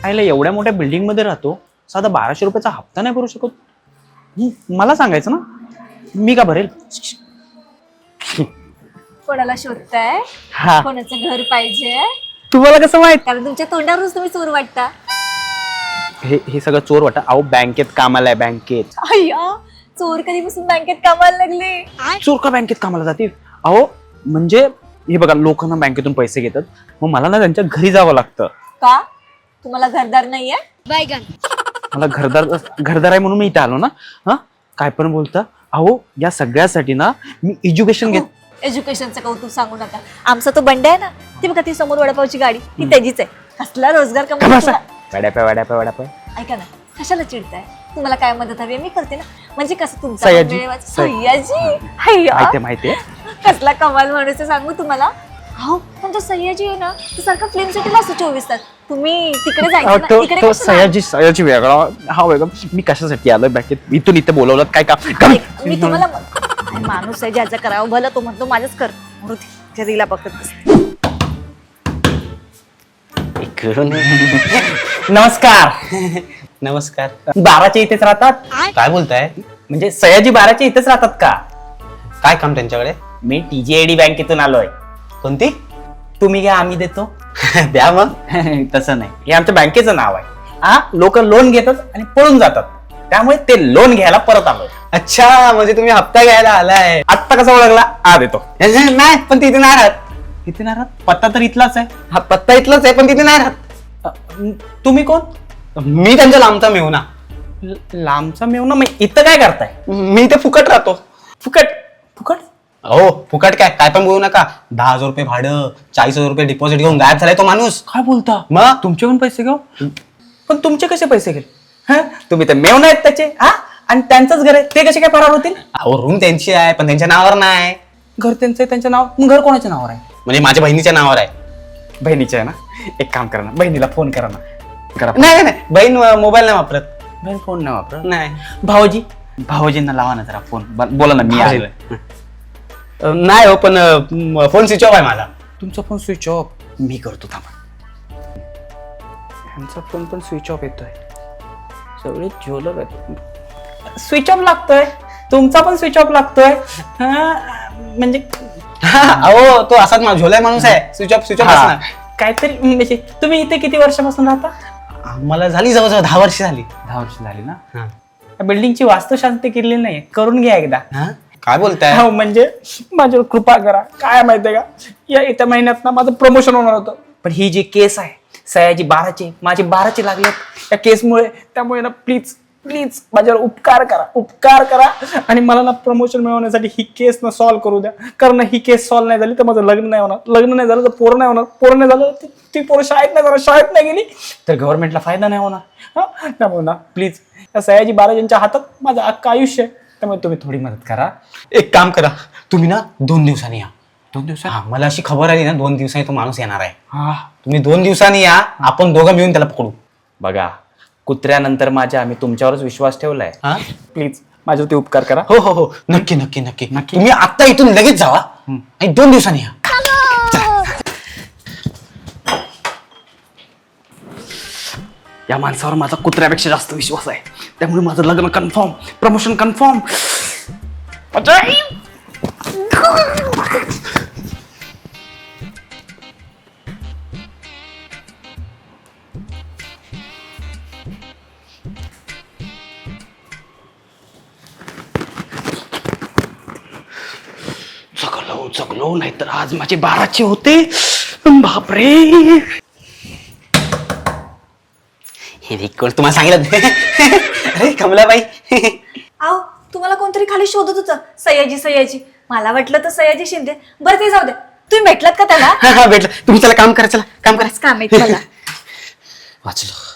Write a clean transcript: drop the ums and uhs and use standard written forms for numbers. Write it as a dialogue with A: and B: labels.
A: आईला एवढ्या मोठ्या बिल्डिंग मध्ये राहतो, साधा 1200 रुपयाचा हप्ता नाही भरू शकत? मला सांगायचं ना, मी का भरेल?
B: कोणाला शोधताय?
A: हा,
B: कोणाचं घर पाहिजे?
A: तुम्हाला कसं माहित?
B: कारण तुमच्या तोंडावरूनच तुम्ही चोर वाटता.
A: हे सगळं चोर वाटत. अहो बँकेत कामाला आहे, बँकेत.
B: अय्या, चोर कधीपासून बँकेत कामाला लागले?
A: चोर का बँकेत कामाला जातील? अहो म्हणजे हे बघा, लोकांना बँकेतून पैसे घेतात, मग मला ना त्यांच्या घरी जावं लागतं.
B: का? तुम्हाला घरदार नाहीये?
A: मला घरदार आहे म्हणून मी इथे आलो ना. हा, काय पण बोलता? अहो या सगळ्यासाठी ना मी एज्युकेशन घेत.
B: एज्युकेशनचं कौतुक सांगू नका. आमचा तो बंड आहे ना, ती बघा ती समोर वडापावची गाडी, ती त्याचीच आहे. कसला रोजगार कमवतो.
A: वडापाव.
B: ऐका ना, कशाला चिडताय? तुम्हाला काय मदत हवी मी करते ना. म्हणजे कसं तुमचा
A: सयाजी.
B: सयाजी
A: माहितीये.
B: कसला कमाल माणूस आहे सांगू तुम्हाला. हो पण तो सयाजी आहे ना, तो सारखा फिल्म सिटीला असतो 24 तास. तुम्ही तिकडे जायचं ना, इकडे
A: तो
B: कशाला?
A: सयाजी वेगळा. हा वेगळा. मी कशासाठी आलोय बँकेत? इथून इथे बोलवलं काय काम?
B: मी तुम्हाला माणूस आहे ज्याचं करावं भलं, तो म्हणतो माझंच कर. दिला बघत
A: नमस्कार.
C: नमस्कार.
A: 12च्या इथेच राहतात?
C: काय बोलताय?
A: म्हणजे सयाजी 12च्या इथेच राहतात का?
C: काय काम त्यांच्याकडे?
A: मी TJAD बँकेतून आलोय.
C: कोणती?
A: तुम्ही घ्या, आम्ही देतो.
C: द्या मग.
A: तसं नाही, हे आमच्या बँकेचं नाव आहे. हा, लोक लोन घेतात आणि पळून जातात, त्यामुळे ते लोन घ्यायला परत आलोय.
C: अच्छा, म्हणजे तुम्ही हप्ता घ्यायला आलाय.
A: आत्ता कसा ओळखला? देतो.
C: नाही, पण तिथे नाही राहत.
A: तिथे नाही राहत? पत्ता तर इथलाच आहे.
C: हा पत्ता इथलाच आहे, पण तिथे नाही राहत.
A: तुम्ही कोण?
C: मी त्यांच्या लांबचा मेहुणा.
A: लांबचा मेवना? मग इथं काय करताय?
C: मी इथे फुकट राहतो.
A: फुकट? फुकट?
C: हो फुकट. काय पण बोलू नका. 10,000 रुपये भाडं, 40,000 रुपये डिपॉझिट घेऊन गायब झालाय तो माणूस.
A: काय बोलता?
C: मग
A: तुमचे पण पैसे घेऊ? पण तुमचे कसे पैसे घेईल? हा, तुम्ही तर मेवना आहेत त्याचे. हा, आणि त्यांचंच घर आहे, ते कसे काय फरार होतील?
C: अहो रूम त्यांची आहे, पण त्यांच्या नावावर नाही.
A: घर त्यांचं आहे, त्यांच्या नाव. मग घर कोणाच्या नावावर आहे?
C: म्हणजे माझ्या बहिणीच्या नावावर आहे.
A: बहिणीच्या आहे ना? एक काम करा ना, बहिणीला फोन करा ना. करा.
C: नाही, बहीण मोबाईल नाही वापरत.
A: बहीण फोन नाही वापरत?
C: नाही.
A: भाऊजींना लावा ना जरा फोन. बोला ना, मी आलोय.
C: नाही हो, पण फोन स्विच ऑफ आहे माझा.
A: तुमचा फोन स्विच ऑफ? मी करतो, थांबा. ह्यांचा फोन पण स्विच ऑफ येतोय. सगळे झोलर आहेत. स्विच ऑफ लागतोय, तुमचा पण स्विच ऑफ लागतोय. म्हणजे
C: अहो तो असाच झोलाय माणूस आहे. स्विच ऑफ असणार.
A: काहीतरी. म्हणजे तुम्ही इथे किती वर्षापासून राहता?
C: मला झाली जवळजवळ 10 वर्ष झाली.
A: 10 वर्ष झाली ना? बिल्डिंगची वास्तुशांती केलेली नाही, करून घ्या एकदा.
C: काय बोलताय?
A: हो, म्हणजे माझ्यावर कृपा करा. काय माहितीये का, या येत्या महिन्यात ना माझं प्रमोशन होणार होतं, पण ही जी केस आहे सयाजी 12ची, माझी 12ची लागलेत या केसमुळे. त्यामुळे ना प्लीज माझ्यावर उपकार करा आणि मला ना प्रमोशन मिळवण्यासाठी ही केस ना सॉल्व्ह करू द्या. कारण ही केस सॉल्व्ह नाही झाली तर माझं लग्न नाही होणार. लग्न नाही झालं तर पोरं नाही होणार. पोरं नाही झालं तर ती पोरं शाळेत नाही गेली तर गव्हर्नमेंटला फायदा नाही होणार. हा, त्यामुळे ना प्लीज या सयाजी 12 हातात माझं अख्खं आयुष्य आहे. त्यामुळे तुम्ही थोडी मदत करा.
C: एक काम करा, तुम्ही ना 2 दिवसांनी या.
A: 2 दिवसात?
C: मला अशी खबर आली ना 2 दिवसांनी तो माणूस येणार आहे.
A: हा,
C: तुम्ही 2 दिवसांनी या, आपण दोघं मिळून त्याला पकडू.
A: बघा, कुत्र्यानंतर माझ्या मी तुमच्यावरच विश्वास ठेवलाय. प्लीज माझ्यावरती उपकार करा.
C: हो नक्की. तुम्ही आता इथून लगेच जावा आणि 2 दिवसांनी या.
A: या माणसावर माझा कुत्र्यापेक्षा जास्त विश्वास आहे, त्यामुळे माझं लग्न कन्फर्म, प्रमोशन कन्फर्म. जगलो नाहीतर आज माझे 12चे होते. बापरे.
C: हे रेकॉर्ड तुम्हाला सांगितलं. अरे कमलाबाई.
B: आहो, तुम्हाला कोणतरी खाली शोधत होतं सयाजी. मला वाटलं तर सयाजी शिंदे. बरं ते जाऊ दे. तुम्ही भेटलात का त्याला?
C: भेटलं. तुम्ही चला काम करा.
B: काम आहे मला.
C: वाचलो.